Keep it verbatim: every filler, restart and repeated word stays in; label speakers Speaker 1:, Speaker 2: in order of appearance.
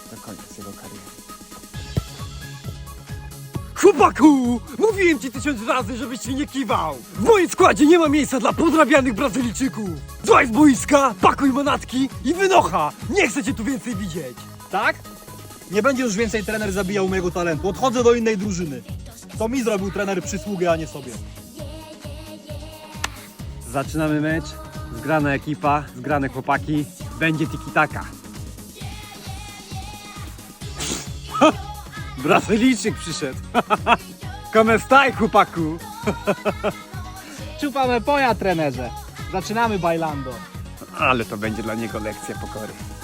Speaker 1: do końca jego kariery.
Speaker 2: Chłopaku! Mówiłem ci tysiąc razy, żebyś się nie kiwał! W moim składzie nie ma miejsca dla podrabianych Brazylijczyków! Złaź z boiska, pakuj manatki i wynocha! Nie chcę cię tu więcej widzieć!
Speaker 3: Tak? Nie będzie już więcej trener zabijał mojego talentu. Odchodzę do innej drużyny. To mi zrobił trener przysługę, a nie sobie.
Speaker 2: Zaczynamy mecz, zgrana ekipa, zgrane chłopaki, będzie tiki-taka. Brazylijczyk przyszedł. Come stai, chłopaku?
Speaker 1: Czupamy poja, trenerze. Zaczynamy bailando.
Speaker 2: Ale to będzie dla niego lekcja pokory.